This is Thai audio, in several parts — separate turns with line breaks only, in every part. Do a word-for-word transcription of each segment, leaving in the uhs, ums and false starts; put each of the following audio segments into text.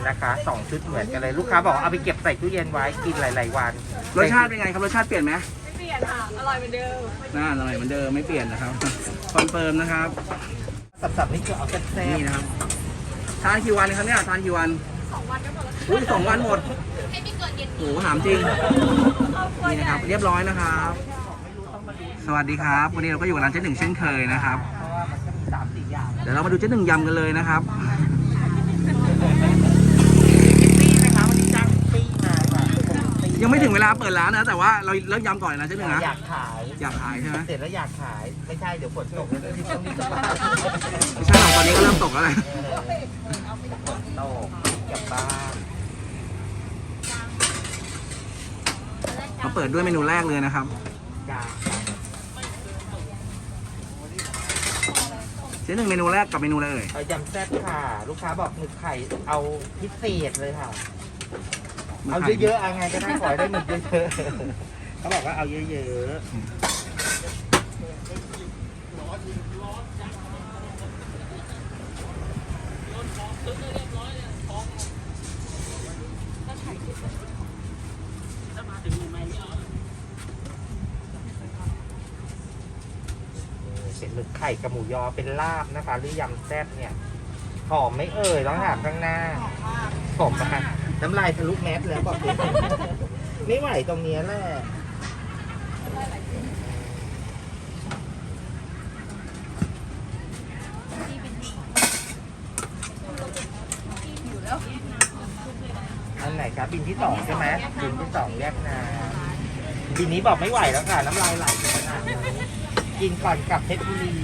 นะคะสองชุดเหมือนกันเลยลูกค้าบอกเอาไปเก็บใส่ตู้เย็นไว้กินหลายๆวัน
รสชาติเป็นไงครับรสชาติเปลี่ยนไหม
ไม่เปลี่ยนค่ะอร่อยเหมือนเดิม
น่าอร่อยเหมือนเดิมไม่เปลี่ยนนะครับคอนเฟิร์มนะครับ
สับๆนี่คือเอาแซ่บๆ
นี่นะครับทานกี่วันครับเนี่ยทานกี่วัน
สองวันก็หมดแล้ว
อุ้ยสองวันหมด
ให้ไม่เกินเย็น
โอ้โหถามจริงนี่นะครับเรียบร้อยนะครับสวัสดีครับวันนี้เราก็อยู่กับร้านเจ๊หนึ่งเช่นเคยนะครับเดี๋ยวเรามาดูเจ๊หนึ่งยำกันเลยนะครับยังไม่ถึงเวลาเปิดร้านนะแต่ว่าเราเริ่มยำก่อนนะเจ๊หนึ่งนะ
อยากขาย
อยากขายใช่ไหม
เสร็จแล้วอยากขายไม่ใช่เดี๋ยวฝนตกแล้วที่ต้องรีบกลับบ้าน
ไม่ใช่หรอกตอนนี้ก็เริ่มตกแล้วเลย
ฝนตกกลับบ้าน
มาเปิดด้วยเมนูแรกเลยนะครับเจ๊หนึ่งเมนูแรกกับเมนูอะไรเอ่ย
เอายำแซ่บค่ะลูกค้าบอกหมึกไข่เอาพิเศษเลยค่ะเอาเยอะๆเอาไงก็ได้ขอได้หมึกเยอะๆเขาบอกว่าเอาเยอะๆเป็นหมึกไข่กับหมูยอเป็นลาบนะคะหรือยำแซ่บเนี่ยหอมไม่เอ่ยต้องถามข้างหน้าหอมนะคะน้ำลายทะลุแมสแล้วบอกเลยไม่ไหวตรงนี้แหละอันไหนครับบินที่สองใช่ไหมบินที่สองแยกน้ำบินนี้บอกไม่ไหวแล้วค่ะน้ำลายไหลขนาดนี้กินก่อนกลับเพชรบุรี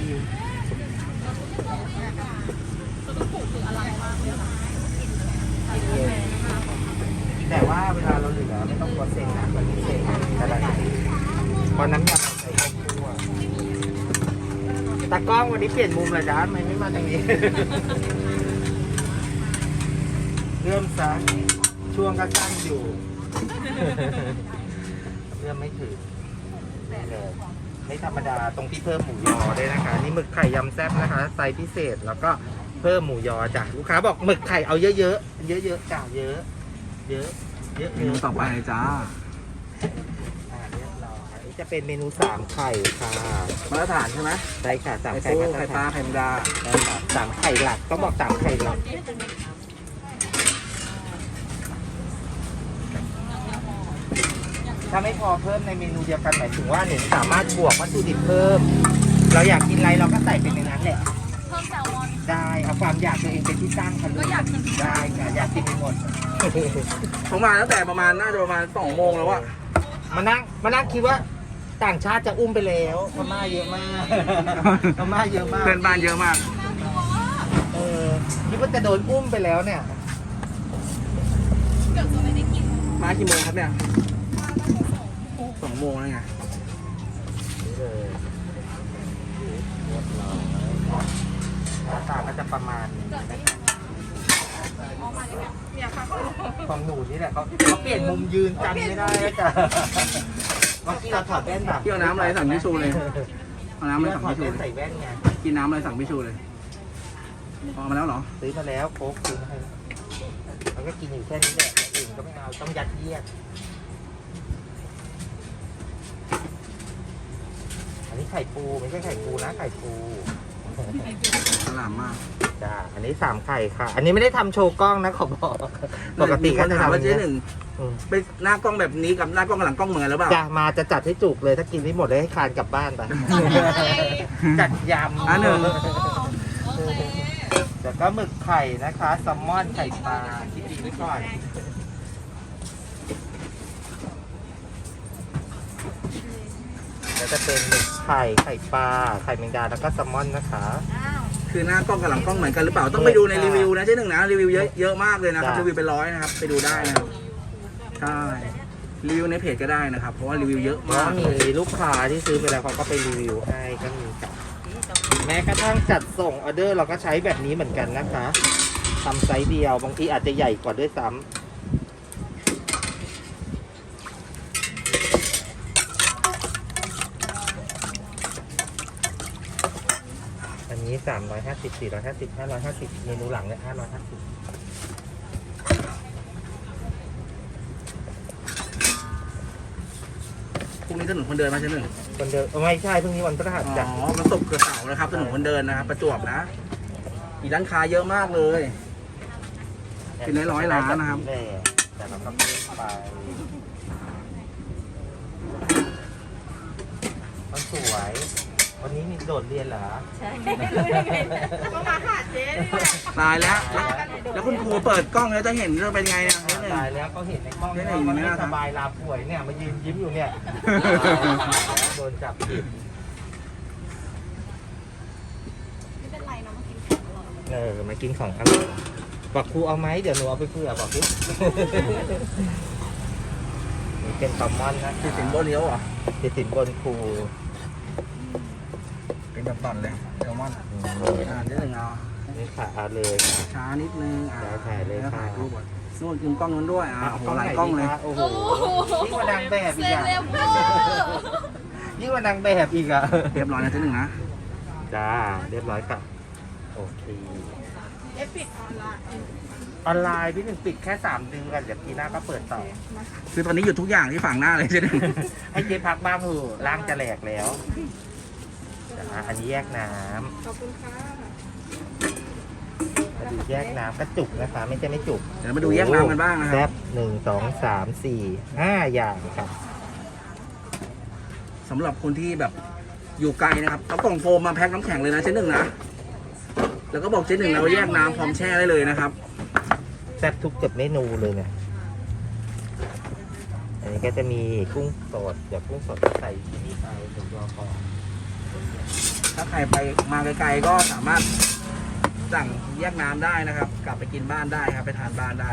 แต่ว่าเวลาเราเหลือไม่ต้องกลัวเซ็งนะวันนี้เซ็งกระดาษพอน้ำยำใส่ข้าวคั่วตากล้องวันนี้เปลี่ยนมุมเลยจ้าทำไมไม่มาทางนี้เริ่มซะช่วงก็สั้นอยู่เริ่มไม่ถึงเลยไม่ธรรมดาตรงที่เพิ่มหมูยอด้วยนะคะนี่หมึกไข่ยำแซ่บนะคะไซส์พิเศษแล้วก็เพิ่มหมูยอจ้ะลูกค้าบอกหมึกไข่เอาเยอะๆเยอะๆจ้ะเยอะเยอะเยอะ
เมนูต่อไปจ้า
เรียบร้อยจะเป็นเมนูสามไข่ค่ะ
มาตรฐานใช่ไหม
ใช่ค่ะสามไข่
ไข่ปลาไข่มดา
สามไข่หลักต้องบอกสามไข่หลักถ้าไม่พอเพิ่มในเมนูเดียวกันหมายถึงว่าหนึ่งสามารถบวกวัตถุดิบเพิ่มเราอยากกินอะไรเราก็ใส่เป็นในนั้นแหละ
เพิ่มแซลมอน
ได้เอาความอยากตัวเองเป็นที่ตั้งค่ะลูกได้ค่ะอยากกินหมด
ผมมาตั้งแต่ประมาณน่าจะประมาณสองโมงแล้วอะ
มานั่งมานั่งคิดว่าต่างชาติจะอุ้มไปแล้วพม่าเยอะมากพม่าเยอะมาก
เพื่อนบ้านเยอะมาก
เออคิดว่าจะโดนอุ้มไปแล้วเนี่ย
เกือบจะไม่ได้กิน
มากี่โมงครับเนี่ยสองโมงแล้วไง
หน้าตาก็จะประมาณนี้ของหนูนี่แหละเขาเขาเปลี่ยนมุมยืนจำไม่ได้แล้วจ้ะเมื่อกี้เราถอดแว่นแบบ
เกี่ยวน้ำอะไรสั่งพี่ชูเลยเอาน้ำอะไรสั่งพี่ชู
ใส่แว่นไง
กินน้ำอะไรสั่งพี่ชูเลยพอมาแล้วเหรอ
ซื้อมาแล้วโค้กซื้อมาให้แล้วก็กินอยู่แค่นี้แหละอื่นก็ไม่เอาต้องยัดเยียดอันนี้ไข่ปูไม่ใช่ไข่ปูนะไข่ปู
ฉลาดมาก
จ้าอันนี้สามไข่ค่ะ อันนี้ไม่ได้ทำโชว์กล้องนะขอบอกปกติก็จะทำ
ว่าเจ๊หนึ่งเป็นหน้ากล้องแบบนี้กับหน้ากล้องหลังกล้องเหมือนหรือเปล่า
จ้ามาจะจัดให้จุกเลยถ้ากินไม่หมดเลยให้คานกลับบ้านไปจัดยำ
อันหนึ่ง
แล้วก็หมึกไข่นะคะแซลมอนไข่ปลาคิดดีไว้ก่อนแล้วจะเป็นหมึกไข่ไข่ปลาไข่แมงดาแล้วก็แซลมอนนะคะ
คือหน้ากล้องกับหลังกล้องเหมือนกันหรือเปล่าต้องไปดูในรีวิวนะเจ๊หนึ่งนะรีวิวเยอะเยอะมากเลยนะครับรีวิวเป็นร้อยนะครับไปดูได้นะครับใช่รีวิวในเพจก็ได้นะครับเพราะว่ารีวิวเยอะมาก
มีลูกค้าที่ซื้อไปแล้วเขาก็ไปรีวิวให้ก็มีจ้ะแม้กระทั่งจัดส่งออเดอร์เราก็ใช้แบบนี้เหมือนกันนะคะทำไซส์เดียวบางทีอาจจะใหญ่กว่าด้วยซ้ำอันนี้สามร้อยห้าสิบ สี่ร้อยห้าสิบ ห้าร้อยห้าสิบเมนูหลังเนี่ยห้าร้อยห้าสิบ
ถนนคนเดินมาใช่ไหม
คนเดินไม่ใช่เพิ่งนี้วันพฤหัส
อ๋
จ้ะ
อมันตกกระเสานะครับถนนคนเดินนะครับประจวบนะมีร้านค้าเยอะมากเลย เป็นร้อยๆร้านนะครับ
แต่เราก็ไม่ไปมันสวย วันนี้มีโดดเรียนเหรอ
ใช่รู้ได้ไงก็มาหาเจ๊นี่แหละ
ตายแล้ว แล้วคุณครูเปิดกล้องแล้วจะเห็นจะเป็นไงเนี่ยเจ๊หนึ่ง
ตายแล้วก็เห็นในกล้อง
ได้
เนี่ย
ไหน
มัน
อยู่
ไม่
เนี่ย
สบายลาป่วยเนี่ยมายืนยิ้มอยู่เนี่ยโดนจับผิด
ไม่เป็นไรเนาะมากินของอร่อย
เออมากินของอร่อยบอกครูเอาไหมเดี๋ยวหนูเอาไปเผื่อบอกพี่ นี่เป็นแซลมอนนะ
ติดสินบนเลี้ยวเหรอ
ติดสินบนครู
เป็นแบบตอนเลยแซลมอน
อืม
อ่าเจ๊หนึ่งเอา
นี่ค่ะเอาเลยค่ะ
ช้านิดนึงอ่า
ได้ถ่ายเลย
แล้ว
ค่ะ
ถ่ายรูปก่อนนู่นกินกล้องนู้นด้วยอ่าโอ้โหหลาย
ไหน
กล้องเลย
ดีคะโอ้โหยิ่งกว่านางแบบอี
เซ
ก
เล
อะ
บเวอร์
ยิ่งกว่านางแบบอีกอะ
เรียบร้อยนะเจ๊หนึ่งนะ
จ้าเรียบร้อยค่ะโอเค
เอฟปิดออนไลน์
ออนไลน์พี่หนึ่งปิดแค่สามเดือนเดี๋ยวปีหน้าก็เปิดต่อ
คือตอนนี้หยุดทุกอย่างที่ฝั่งหน้าเลยเจ๊หนึ่ง
ให้เจ๊พักบ้างเถอะร่างจะแหลกแล้วจ้าอันนี้แยกน้ำ
ขอบคุณค่ะ
มาดูแยกน้ำกระจุกนะคะ ไม่ใช่ไม่จุก
เดี๋ยวมาดูแยกน้ำกันบ้างนะค
แซ่
รับบ
หนึ่งสองสามสี่ห้าอย่างครับ
สำหรับคนที่แบบอยู่ไกลนะครับเอากล่องโฟมมาแพ็คน้ำแข็งเลยนะเจ๊หนึ่งนะแล้วก็บอกเจ๊หนึ่งเราแยกน้ำพร้อมแช่ได้เลยนะครับ
แซ่บทุกเกือบเมนูเลยเนี่ยอันนี้ก็จะมีกุ้งสดเดี๋ยวกุ้งสดใส่ที่นี่ไปถึงตัวพอ
ถ้าใครไปมาไกลๆก็สามารถสั่งแยกน้ำได้นะครับ กลับไปกินบ้านได้ครับไปทานบ้านได้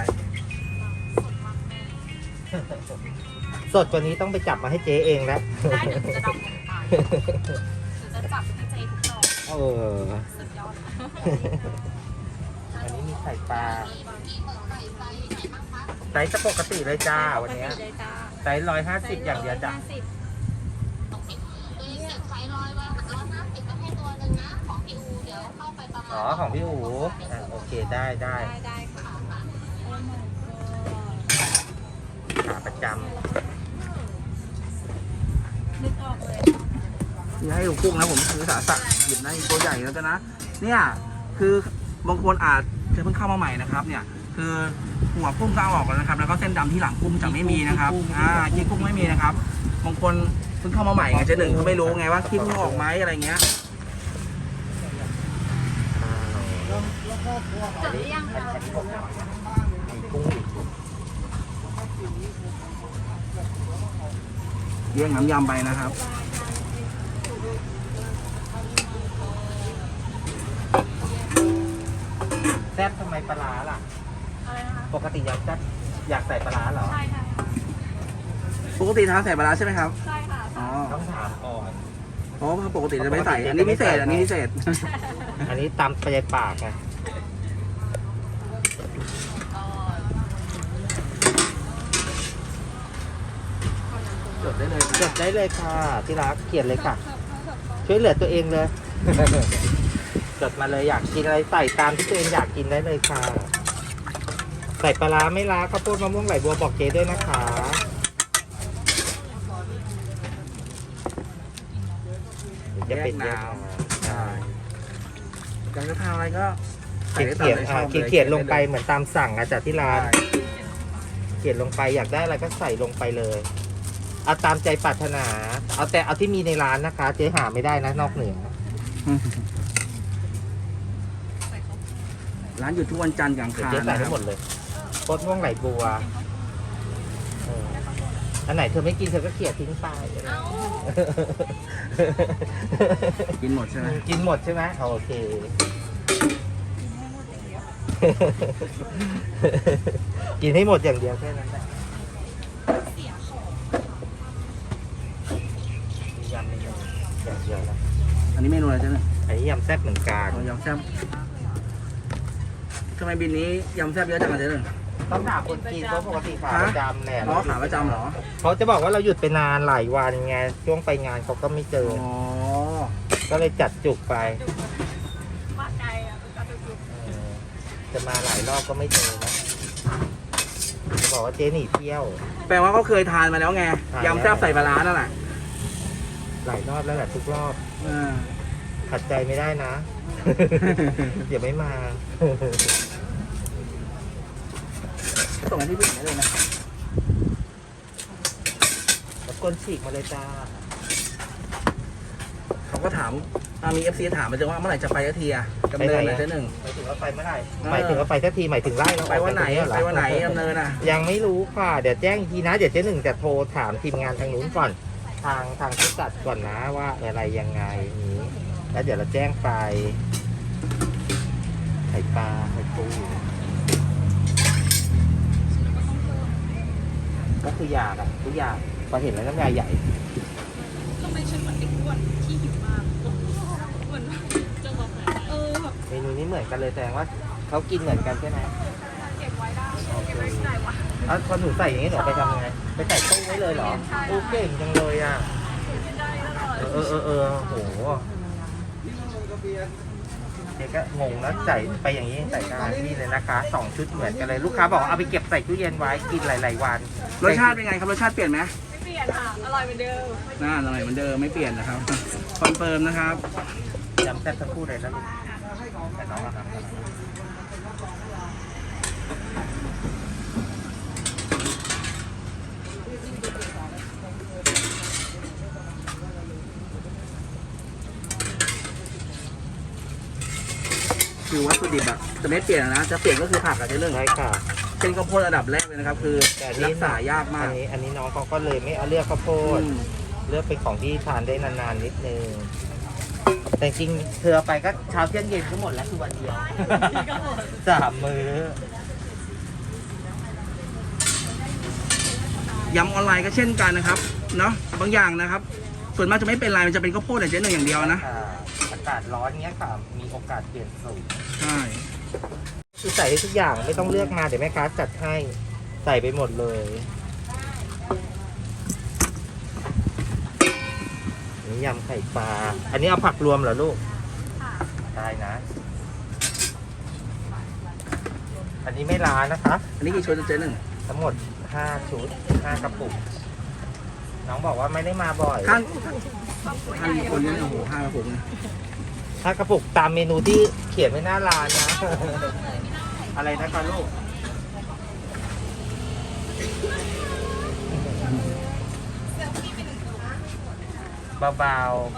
สดกว่านี้ต้องไปจับมาให้เจ๊เองแล้ว
ได้เดี๋ยวหนูจะดำลงไปหนูจะจับให้เจ๊ทุกดอก
เออ
สุดยอด
อันนี้มีไข่ปลาไซส์จะปกติเลยจ้าวันเนี้ย
เลยจ้า
ไซส์ร้อยห้าสิบอย่างเดียวจ้ะ
ห้าสิบ
อ๋อของพี่อู๋อ่ะโอเคได้ได้
ได้ได้ค่ะ
ขาประจ
นึกออกเลย
ที่ให้ดูกุ้งนะผมคือสาสะหยิบได้ตัวใหญ่แล้วกันนะเนี่ยคือบางคนอาจจะเพิ่งเข้ามาใหม่นะครับ เนี่ยคือหัวกุ้งก็เอาออกแล้วนะครับ แล้วก็เส้นดำที่หลังกุ้งจะไม่มีนะครับอ่าขี้กุ้งไม่มีนะครับบางคนเพิ่งเข้ามาใหม่ไงเจ๊หนึ่งเขาไม่รู้ไงว่าขี้กุ้งออกไหมอะไรเงี้ย
ำ
จดหรือยัง
อัน
คะ
นี้ผมมีกุ้งอีก
เลี้ยงน้ำยำไปนะครับ
แซ่บทำไมปลาร้าล่ะ
อะไรนะคะ
ปกติอยากแซ่บอยากใส่ปลาร้าเหรอ
ใช่ค่ะ
ปกติทานใส่ปลาร้าใช่ไหมครับ
ใช่ค่ะ
อ๋อ
ต้องถามก่อน
เพราะว่าปกติจะไม่ใส่อันนี้พิเศษอันนี้พิเศษ
อันนี้ตำไปในปากไงจดได้เลยจดได้เลยค่ะที่รักเขียนเลยค่ะ ช่วยเหลือตัวเองเลย จดมาเลยอยากกินอะไรใส่ตามที่ตัวเองอยากกินได้เลยค่ะ ใส่ปลาร้าไม่ล้าข้าวโพดมะม่วงไหลบัวบอกเจด้วยนะคะเดี๋ยวจะเป็นแยกน้ำใช่
อยากจะทานอะไรก็ใส่
เขียน
ได้ตาม
เขียน
ใจช
อ่า
อบ
เขียนเขียนลงไปเหมือนตามสั่งอะจากที่ร้าน
ใช่
เขียนลงไปอยากได้อะไรก็ใส่ลงไปเลยเอาตามใจปรารถนา เอาแต่เอาที่มีในร้านนะคะ เจ๊หาไม่ได้นะนอกเหนือ
ร้านอยู่ทุกวันจันทร์กลาง
เดี๋ยว
คา
เจ๊
น
ใส่
นะค
ให้
รับ
หมดเลยโคตรม่วงไหลบัวเอออันไหนเธอไม่กินเธอก็เกลี่ยทิ้งไป
เอ้า
กินหมดใช่ไหม
กินหมดใช่ไหมโอเค กินให้หมดอย่างเดียวแค่นั้นแหละมียำไม่ยำอย่างเดียวนะ
อันนี้เมนูอะไรจ๊ะเนี่ย
อันนี้ยำแซ่บเหมือนกัน
อ๋อยำแซ่บทำไมบินนี้ยำแซ่บเยอะจังอะเจ๊หนึ่ง
ต้องถามคนกินเพราะปกติขาประจำแหละ
อ๋อขาประจำเหรอ
เขาจะบอกว่าเราหยุดไปนานหลายวันไงช่วงไปงานเขาก็ไม่เจอ
อ๋อ
ก็เลยจัดจุกไป
ว่าไกลอ่ะจะดูดู
เออจะมาหลายรอบก็ไม่เจอนะจะบอกว่าเจ๊หนีเที่ยว
แปลว่าเขาเคยทานมาแล้วไง
ทานแล้ว
ยำแซ่บใส่ปลาร้านั่นแหละ
หลายรอบแล้วแหละทุกรอบ
อ่า
ขัดใจไม่ได้นะ เดี๋ยวไม่มา
ส่งกันที่พี่ได้เลยนะ
ตะกนฉีกมาเลยจ้า
เขาก็ถามอ่ามีเอฟซีถามมาจะว่าเมื่อไหร่จะไปสักทีอะดำเนินนะเจ๊หนึ่ง
หมายถึงว่าไปเมื่อไหร่
เออ
หมายถึงว่าไปสักทีหมายถึงไล่เรา
ไปวันไหน
ออกจากตรง
ไปวันไหนดำเนินอ่ะ
ยังไม่รู้ค่ะ เดี๋ยวแจ้งอีกทีนะ เดี๋ยวเจ๊หนึ่งจะโทรถามทีมงานทางนู้นก่อน ทางทางผู้จัดก่อนนะว่าอะไรยังไงนี้ แล้วเดี๋ยวเราแจ้งไปไข่ปลาไข่ปูก็คืออยากอะทุกอย่างพอเห็นแล้วน้ำลายใหญ่
ทำไมฉันเหมือนเด็กอ้วนที่หิวมากเหมือนจะบอกไหนเออแบบ
เมนูนี้เหมือนกันเลยแสดงว่าเขากินเหมือนกันใช่ไหม
เก็บไว้ได้เก็บไว้ที่ไหนวะ
แล้วพอหนูใส่อย่างนี้หนูเอาไปทำยังไงไปใส่ตู้ไว้เลยเหรอโอ้เก่งจังเลยอ่ะ
กินได้ตลอด
เออเออเออโอ้โหเด็กก็งงแล้วใส่ไปอย่างนี้ใส่ได้นี่เลยนะคะสองชุดเหมือนกันเลยลูกค้าบอกว่าเอาไปเก็บใส่ตู้เย็นไว้กินหลายๆวัน
รสชาติเป็นไงครับรสชาติเปลี่ยนไหม
ไม่เปลี่ยนค่ะอร่อยเหมือนเดิม
น่าอร่อยเหมือนเดิมไม่เปลี่ยนนะครับ คอนเฟิร์มนะครับ
ยำแซ่บทั้งคู่เลยนะลูกแต่น้องอะครับ
คือวัตถุดิบอะจะไม่เปลี่ยนนะจะเปลี่ยนก็คือผักอะเจ๊หนึ่ง
ใช่ค่ะ
เป็นข้าวโพดระดับแรกเลยนะครับ คือ
แต่อันนี้
รักษายากมา
อั
ก
นนี้อันนี้น้องเขาก็เลยไม่เอาเลือกข้าวโพด
อืม
เลือกเป็นของที่ทานได้นานๆนิดนึง แต่จริงๆเธอเอาไปก็เช้าเที่ยงเย็นก็หมดแล้วคือวันเดียว สามมื้อย
ำออนไลน์ก็เช่นกันนะครับเนาะบางอย่างนะครับ ส่วนมากจะไม่เป็นไรมันจะเป็นข้าวโพดแต่เจ๊หนึ่งอย่างเดียวนะ
ค่ะอากาศร้อนเงี้ยค่ะ มีโอกาสเปลี่ยนสูตร
ใช่
คือใส่ได้ทุกอย่างไม่ต้องเลือกมาเดี๋ยวแม่ค้าจัดให้ใส่ไปหมดเลยนี่ยำไข่ปลา อันนี้เอาผักรวมเหรอลูก
ค่ะ
ได้นะ อันนี้ไม่ล้านะคะ
อันนี้กี่ชุดเจ๊หนึ่ง
ทั้งหมดห้าชุดห้ากระปุก น้องบอกว่าไม่ได้มาบ่อย
ท่านท่านคนนี้โอ้โหห้ากระปุกนะ
ห้ากระปุกตามเมนูที่เขียนไว้หน้าร้านนะ อะไรนะคะลูก เบา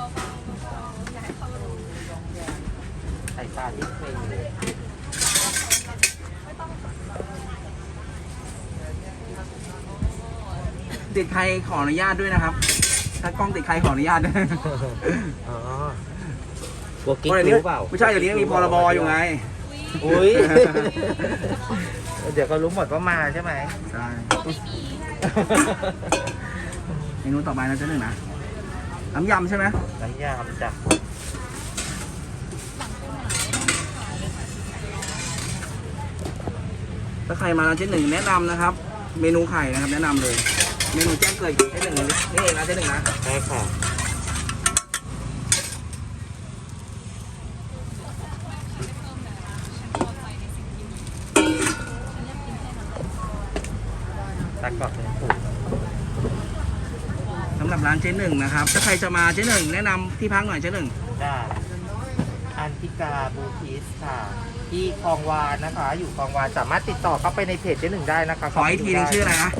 ๆใส่ปลาที่เคย
ติดใครขออนุญาตด้วยนะครับ ถ้ากล้องติดใครขออนุญาตด้วย
อ๋อบัวกิ๊ก
เพราะเดี๋ยวนี้
รู้เปล่า
ไม่ใช่เดี๋ยวนี้มีพรบอยู่ไง
อุ้ย เดี๋ยวเขารู้หมดว่ามาใช่ไหม
ใช่
ก็ไม่มี
เมนูต่อไปนะเจ๊หนึ่งนะน้ำยำใช่ไหม
น้ำยำจ้ะ
ถ้าใครมาร้านเจ๊หนึ่งแนะนำนะครับ เมนูไข่นะครับ แนะนำเลย เมนูแจ้งเกิดเจ๊หนึ่งนี่เองนะเจ๊หนึ่งนะ
ใช่ค่ะ ตักกรอบเป็นสูตร
สำหรับร้านเจ๊หนึ่งนะครับ ถ้าใครจะมาเจ๊หนึ่งแนะนำที่พักหน่อยเจ๊หนึ่ง
จ้าอันติกาบูทิสค่ะ ที่คลองวานนะคะ อยู่คลองวานสามารถติดต่อเข้าไปในเพจเจ๊หนึ่งได้นะคะ
ขออีกทีหนึงชื่ออะไรนะ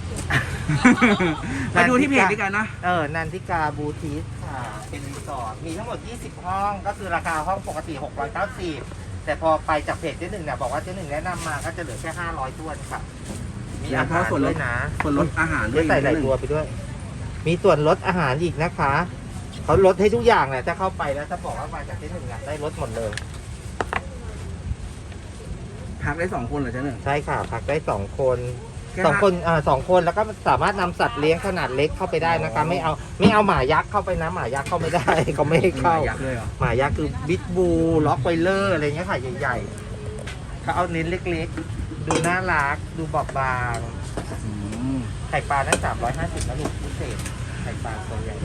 ไปดูที่เพจด้วยกันนะ
เออ นันทิกาบูทิสค่ะ เป็นรีสอร์ท มีทั้งหมด ยี่สิบ ห้อง ก็คือราคาห้องปกติ หกร้อยเก้าสิบ แต่พอไปจากเพจเจ๊หนึ่งเนี่ยบอกว่าเจ๊หนึ่งแนะนำมาก็จะเหลือแค่ ห้าร้อยท้วนค่ะ มีอาหารด้วยนะ
ส่วนลดอาหารด้
ด้
ว
วย ยใส่หลายตัวไปด้วย มีส่วนลดอาหารอีกนะคะ เขาลดให้ทุกอย่างแหละถ้าเข้าไปแล้วถ้าบอกว่ามาจากเจ๊หนึ่งอะได้ลดหมดเลย
พักได้สองคนเหรอเจ๊หนึ่ง
ใช่ค่ะ พักได้สองคน
แค่
สองคนอ่าสองคนแล้วก็สามารถนำสัตว์เลี้ยงขนาดเล็กเข้าไปได้นะคะ ไม่เอาไม่เอาหมายักษ์เข้าไปนะหมายักษ์เข้าไม่ได้ เขาไม่ให้เข้า
ยักษ์เลยเหรอ
หมายักษ์คือบิ๊กบูล็อกไวเลอร์อะไรเงี้ยค่ะใหญ่ๆเขาเอาเน้นเล็กๆ ดูน่ารักดูบอบบาง
อืม
ไข่ปลานั้นสามร้อยห้าสิบนะลูกพิเศษไข่ปลาตัวใหญ่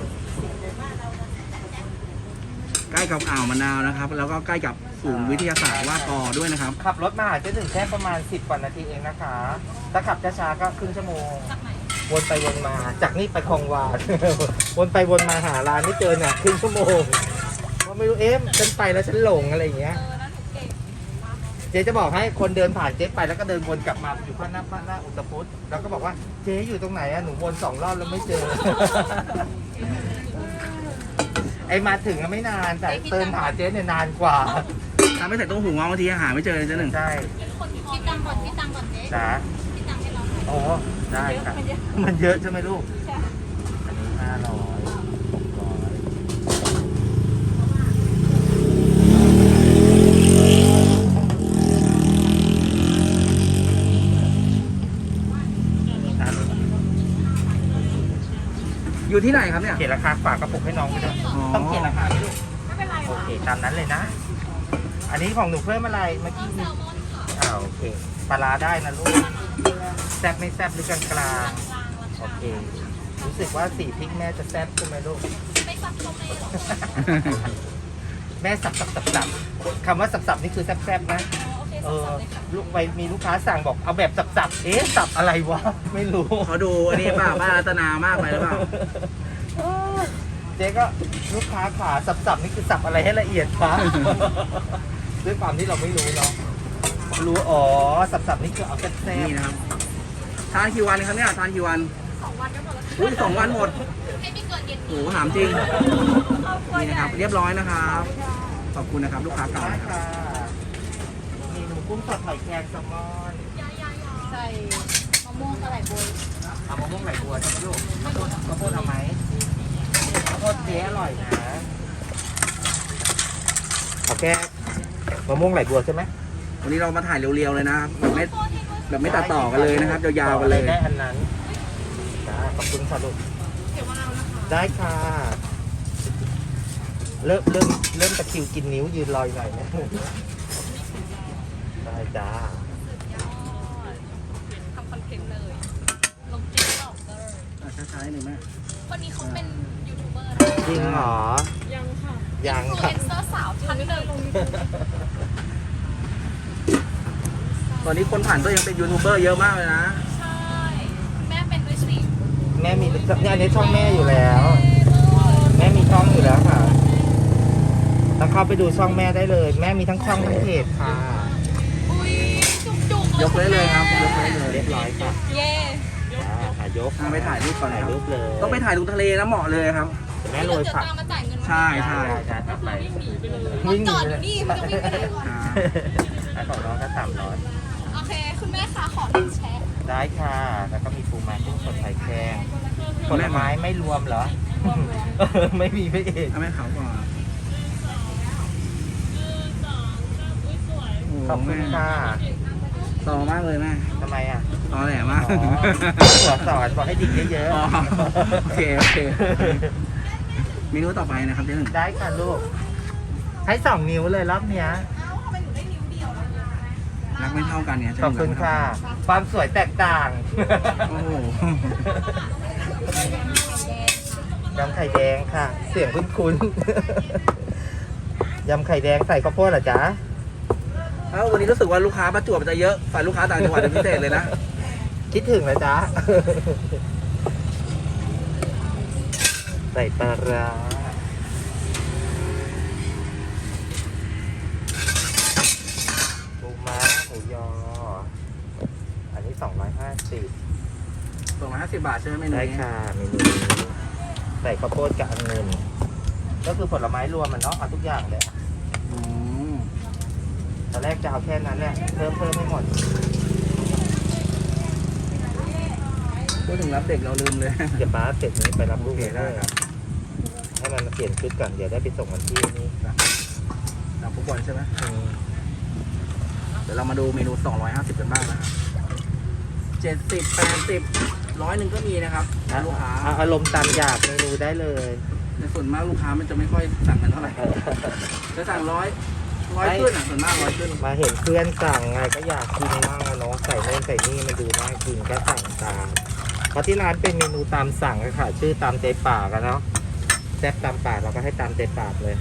ใกล้กับอ่าวมะนาวนะครับ แล้วก็ใกล้กับศูนย์วิทยาศาสตร์ว่ากอด้วยนะครับ
ขับรถมาหาเจ๊หนึ่งแค่ประมาณสิบกว่านาทีเองนะคะถ้าขับช้าๆก็ครึ่งชั่วโมง
จากไหน
โหวนไปวนมาจากนี่ไปคลองวาน วนไปวนมาหาร้านไม่เจอเนี่ยครึ่งชั่วโมงเพราะไม่รู้เอ๊ะฉันไปแล้วฉันหลงอะไรอย่างเงี้ย
เออแล้วหนูเก่ง
เจ๊จะบอกให้คนเดินผ่านเจ๊ไปแล้วก็เดินวนกลับมาอยู่ข้างหน้าข้างหน้าอุตพุทธแล้วก็บอกว่าเจ๊อยู่ตรงไหนอะหนูวนสองรอบแล้วไม่เจอ ไอมาถึงอะไม่นานแต่เดินหาเจ๊เนี่ยนานกว่า
ถ้าไม่ใส่ต้มหูงอบางทีหาไม่เจอเลยเจ๊หนึ่ง
ใช่
คิดตังค์ก่อนคิดตังค์ก่อนเจ๊
จ้า
คิดตังค์ให้เราหน่อย
อ๋อได้ค่ะ
มันเยอะ
มันเยอะใช่ไหมลูก
ใช่
อันนี้ห้าร้อยหกร้อยอ่ะ
อยู่ที่ไหนครับเนี่ย
เขียนราคาฝากกระปุกให้น้องไปด้วย
อ๋อ
ต้องเขียนราคาไหมลูก
ไม่เป็นไร
โอ
วะ
เคตามนั้นเลยนะ อันนี้ของหนูเพิ่มอะไรเมื่อกี้
แซลมอนค่ะ
อ่าโอเคปลาร้าได้นะลูกแซ่บไม่แซ่บหรือกลางกลาง
กลางๆ
ๆโอ
รา
เค
คา
รู้สึกว่าสีพริกแม่จะแซ่บใช่ไหมลูก
ไม่ซับก็ไม่หรอก
แม่สับสับสับสับคำว่าสับสับนี่คือแซ่บแซ่บนะ
โอเค
เอ
สับ
อ
ๆเลยค่ะ
ลูกไปมีลูกค้าสั่งบอกเอาแบบสับสับเอ๊ะสับอะไรวะไม่รู้
เขาดูอันนี้เปล่าบ้านรัตนามากไปหรือเปล่า
เจ๊ก็ลูกค้าขาสับสับนี่คือสับอะไรให้ละเอียดคะ ด้วยความที่เราไม่รู้เนาะรู้อ๋อสับสับนี่คือเอาแซ่บ
นี่นะครับทานกี่วันครับเนี่ยทานกี่วัน
สองวันก็หมดแล้ว
อุ้ยสองวันหมด
ให้ไม่เกินเย็น
โอ้
นี้
โหถามจริง
ครอบครัว
นี่
ให
นะค
ญ่
รับ เรียบร้อยนะครับ ขอบคุณนะครับลูกค้า
ๆ
เก่า
ได้
นะครับ
ค่ะเมนูกุ้งสดหอยแครงแซลมอน
ใส่มะม่วงกระไหล่บวย
เอามะม่วงไหลบัวใช่ไหมลูกข้าวโพดข้าวโพดเอาไหมข้าวโพดเจ๊อร่อยนะเอาแค่มะม่วงไหลบัวใช่ไหม
วันนี้เรามาถ่ายเรียวๆเลยนะครับแบบไม่แบบไม่ตัดต่อกันเลยนะครับยาวๆกันเลย
ได้อันนั้นจ้าขอบคุณค่ะลูก
เดี๋ยวมาเอานะคะ
ได้ค่ะ เริ่มเริ่มเริ่มตะคริวกินนิ้วยืนลอยหน่อยนะได้จ้า
ทำคอนเทนต์เลย ลงติ๊กต็อกเลย
อ่ะช้าๆหนึ่งแม่
คนนี้เขาเป็นยูทูบเบอร์
จริงเหรอ
ยังค่ะ
ยัง
อินฟลู
ค่ะ
เอนเซอร์สาวท่านหนึ่ง
ตอนนี้คนผ่านตัวยังเป็นยูทูบเบอร์เยอะมากเลยนะ
ใช่ แม่เป็นด้วยสิ
แม่มีเนี่ยอันนี้ช่องแม่อยู่แล้ว แม่มีช่องอยู่แล้วค่ะแล้วเข้าไปดูช่องแม่ได้เลย แม่มีทั้งช่องทั้งเพจค่ะ
อุ้ยจุกๆ
ยกได้เลยครับยกได้เลย
เรียบร้อยค่ะ
เย่
จ้าถ่ายยก
อ่ะไปถ่ายรูปก่อนนะ
ถ่าย
ครับ
รูปเลย
ต้องไปถ่ายตรงทะเลนะเหมาะเลยครับ
แม่โรย
เดี๋ยว
ผัก
ตามมาจ่ายเงิน
ใช่ใช่
ได้ได้ไป
รถจอดอยู่นี่มันจะวิ่งไปไหนก่อน
อ่า
ไอ้ของน้องก็สามร้อย
โอเค คุณแม่คะขอหนึ่งแชร์
ได้ค่ะ แล้วก็มีปูม้ากุ้งสดไข่แครงผลไม้ไม่รวมเหรอ ไม่มีไม่เอก
เอาแม่เขาก่อน
ขอบคุณค่ะ
ต่อมากเลยแม่
ทำไมอ่ะ
ต่อแหลมาก
อ๋อหัวสอนบอกให้ดิ่งเยอะ
อ๋อโอเคโอเคเมนูต่อไปนะครับเจ๊หนึ่ง
ๆ ได้ค่ะลูก ให้สองนิ้วเลยรอบเนี้ย
รักไม่เท่ากันเนี่ยเจ๊ห
ขอบ
นึ่ง
คุณ
รักไม่
ค่ะ
เท่ากัน
ความสวยแตกต่าง
โอ้โห
ยำไข่แดงค่ะ เสียงคุ้นๆ ยำไข่แดงใส่ข้าวโพดเหรอจ๊ะ
เอ้าวันนี้รู้สึกว่าลูกค้าประจวบจะเยอะฝ่ายลูกค้าต่างจังหวัดเป็นพิเศษเลยนะ
คิดถึงนะจ๊ะ ใส่ปลาร้าปูม้าหมูยอ อันนี้สองร้อยห้าสิบ
สองร้อยห้าสิบบาทใช่ไหมเมนู
ได้
นี้
ค่ะเมนูนี้ใส่ข้าวโพดกับองุ่นก็คือผลไม้รวมมันเนาะเอาทุกอย่างเลย
อืม
ตอนแรกจะเอาแค่นั้นแหละเพิ่มเพิ่มไม่หมด
พูดถึงรับเด็กเราลืมเลย
เดี๋ยวป้าเสร็จนี้ไปรับลูก
โอเคได้ครับ
ให้มันมาเปลี่ยนชุดก่อนเดี๋ยวได้ไปส่งวันที่นี่
นักฟุตบอลใช่ไหม
อืม
เดี๋ยวเรามาดูเมนูสองร้อยห้าสิบกันบ้างนะครับเจ็ดสิบแปดสิบร้อยหนึ่งก็มีนะครับลูกค้า
เอาอารมณ์ตามอยากเมนูได้เลย
ในส่วนมากลูกค้ามันจะไม่ค่อยสั่งกันเท่าไหร่จะสั่งร้อยร้อยขึ้นอ่ะส่วนมากร้อยขึ้น
มาเห็นเพื่อนสั่งไงก็อยากกินมากอะเนาะใส่โน่นใส่นี่มันดูน่ากินก็สั่งตามเพราะที่ร้านเป็นเมนูตามสั่งอะค่ะ ชื่อตามใจปากอะเนาะแซ่บตามปากเราก็ให้ตามใจปากเลย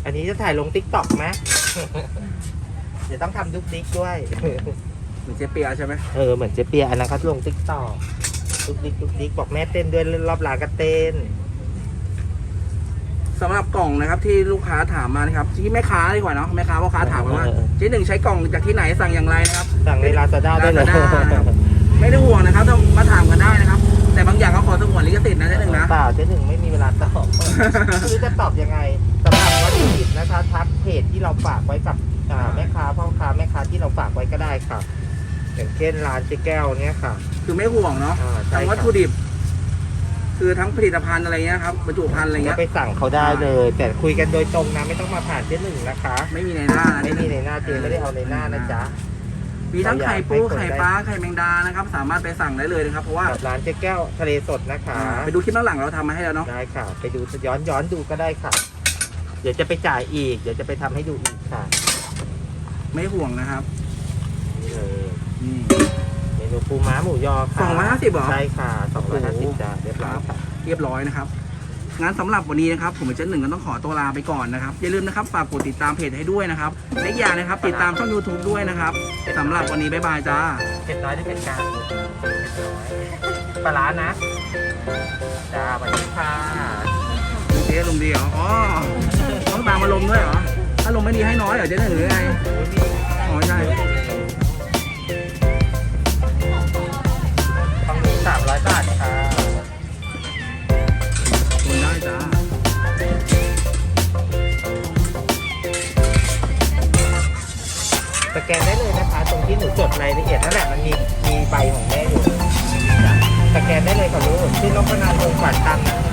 อันนี้จะถ่ายลงติ๊กต็อกไหม เดี๋ยวต้องทำดุ๊กดิ๊กด้วย
เหมือนเจเปียใช่ไหม
เออเหมือนเจเปียอันนั้นเขาลงติ๊กต็อกดุ๊กดิ๊กดุ๊กดิ๊กบอกแม่เต้นด้วยรอบร้านก็เต้น
สำหรับกล่องนะครับที่ลูกค้าถามมานะครับที่แม่ค้าดีกว่าเนาะแม่ค้าพ่อค้าถามมาว่า
เออ
เจ๊หนึ่งใช้กล่องจากที่ไหนสั่งอย่างไรนะครับ
สั่งในลาซาด้าได้เลย
Lazada นะครับ ไม่ได้ห่วงนะครับต้องมาถามกันได้นะครับ แต่บางอย่างเขาขอสงวนลิขสิทธิ์นะเจ๊หนึ่งนะ
เปล่าเจ๊หนึ่งไม่มีเวลาตอบ คือจะตอบยังไงสำหรับวัตถุดิบนะคะทักเพจที่เราฝากไว้กับอ่าแม่ค้าพ่อค้าแม่ค้าที่เราฝากไว้ก็ได้ค่ะ อย่างเช่นร้านเจ๊แก้วเนี่ยค่ะ
คือไม่ห่วงเนาะ
อ่าใช่
ทั้ง
ครับ
วัตถุดิบ คือทั้งผลิตภัณฑ์อะไรเงี้ยครับบรรจุภัณฑ์อะไร
ก็
เงี้ย
ไปสั่งเขาได้เลย แต่คุยกันโดยตรงนะไม่ต้องมาผ่านเจ๊หนึ่งนะคะ
ไม่มีในหน้านะ
ไม่มีในหน้าเจ๊ไม่ได้เอาในหน้านะจ๊ะ
มีทั้งไข่ปู
เราอยากให้คน
ไข่ปลาไข่แมงดานะครับ สามารถไปสั่งได้เลยนะครับ เพราะว่า
กับร้านเจ๊แก้วทะเลสดนะคะ
ไปดูคลิปข้างหลังเราทำมาให้แล้วเนาะ
ได้ค่ะ ไปดูย้อนย้อนดูก็ได้ค่ะ เดี๋ยวจะไปจ่ายอีก เดี๋ยวจะไปทำให้ดูอีกค่ะ
ไม่ห่วงนะครับ
นี่เลย
นี่
เมนูปูม้าหมูยอค่ะ
สองร้อยห้าสิบเหรอ
ใช่ค่ะสองร้อยห้าสิบ
โอ้โห
จ้าเรียบร้อยค่ะ
เรียบร้อยนะครับงั้นสำหรับวันนี้นะครับผมเป็นเจ๊หนึ่งก็ต้องขอตัวลาไปก่อนนะครับอย่าลืมนะครับฝากกดติดตามเพจให้ด้วยนะครับและอีกอย่างนะครับติดตามช่อง ยูทูบ ด้วยนะครับสำหรับวันนี้บ๊ายบายจ้า
เผ็ดน้อยได้เผ็ดกลางเผ็ดน้อยปลาร้านะ จ้าสวัสดีค่ะ
เจ๊ลมณ์ดีเหรออ๋อต้องตามอารมณ์ด้วยเหรอถ้าลมณ์ไม่ดีให้น้อยเหรอเจ๊หนึ่งหรือไงอ๋อใช่
ฝั่งนี้สามร้อยบาทค่ะ
คนได้จ้า
สแกนได้เลยนะคะ ตรงที่หนูจดรายละเอียดนั่นแหละมันมีมีใบของแม่อยู่จ้ะสแกนได้เลยค่ะลูกชื่อนพนาถวงศ์ขวัญตังนะคะ